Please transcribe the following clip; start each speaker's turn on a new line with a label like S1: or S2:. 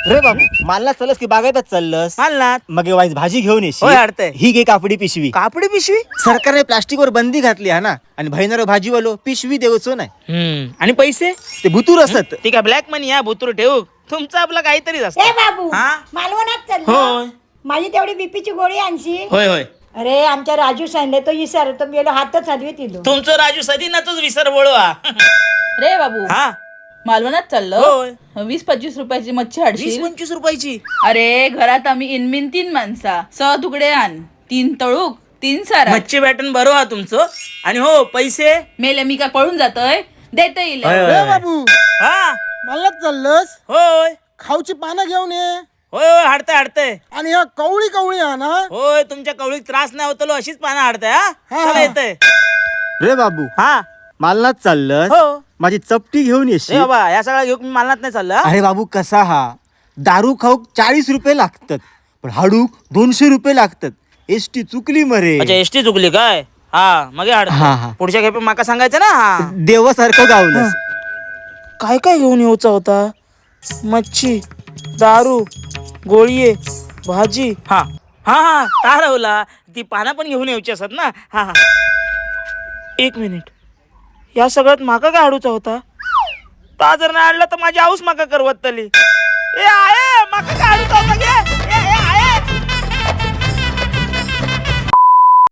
S1: रे बाबू मालनात चालस की बागायतच चाललंस?
S2: मालनात.
S1: मग वाईज भाजी घेऊन येशील.
S2: होय, अडतंय.
S1: ही घे कापडी पिशवी.
S2: कापडी पिशवी.
S1: सरकारने प्लास्टिकवर बंदी घातली हा ना, आणि भाईनारो भाजीवालो पिशवी देवचो नाही.
S2: आणि पैसे
S1: ते भुतूर असत.
S2: ठीक आहे, ब्लॅक मनी या भुतूर ठेवू. तुमचं आपलं काहीतरीच
S3: ए
S2: असतं.
S3: बाबू
S2: हा?
S3: मालवणात
S2: होय.
S3: चाललो. माझी तेवढी बीपीची गोळी आणशी.
S2: होय होय.
S3: अरे आमच्या राजू सांगले तो विसर तो गेलो हातच हलवी तिलो.
S2: तुमचं राजू सदीनाच विसर बोळवा.
S4: रे बाबू
S2: हा,
S4: मालवणात
S2: होय.
S4: चाललो. 20-25 रुपयाची मच्छी हाडशील.
S2: 20-25 रुपयाची.
S4: अरे घरात आम्ही इनमिन 3 माणसा. 6 तुकडे आण, 3 तळूक, 3 सारा.
S2: मच्छी बॅटन बरो हा तुमचं. आणि हो पैसे.
S4: मेले मी का पळून जातोय, देता येईल.
S2: होय, होय.
S5: ए बाबू
S2: हा,
S5: मालनात चाललंस?
S2: होय
S5: खाऊची पानं घेऊन ये.
S2: होय होय, हाडतंय हाडतंय.
S5: आणि ह्या कवळी कवळी आणा.
S2: होय, तुमच्या कवळीत त्रास नाही होतो, अशीच पानं हाडताय. हा,
S5: हा,
S2: चला
S5: हा.
S2: येतंय.
S1: रे बाबू
S2: हा,
S1: मालनात चाललंस?
S2: हो.
S1: माझी चपटी घेऊन
S2: ए
S1: येशील.
S2: बाबा, या सगळ्या घेऊन मी मालनात नाही चाललं. हा?
S1: अरे बाबू कसा हा, दारू खाऊक 40 रुपये लागतात, पण हाडूक 200 रुपये लागतात. एसटी चुकली मरे.
S2: अच्छा, एसटी चुकली काय? हा, मग
S1: हा, हा.
S2: हाड. पुढच्या खेपे माका सांगायचं ना. हा.
S1: देवासारखं गावलंस.
S2: काय काय घेऊन येऊचा होता? मच्छी, दारू, गोळीये, भाजी. हा हा हा, तारवला. ती पानं पण घेऊन यायची असत ना. हा हा, 1 मिनिट. या सगळ्यात माका काय हाडूचा होता? ता जर नाही आणला तर माझी आऊस माका करवत तली. ए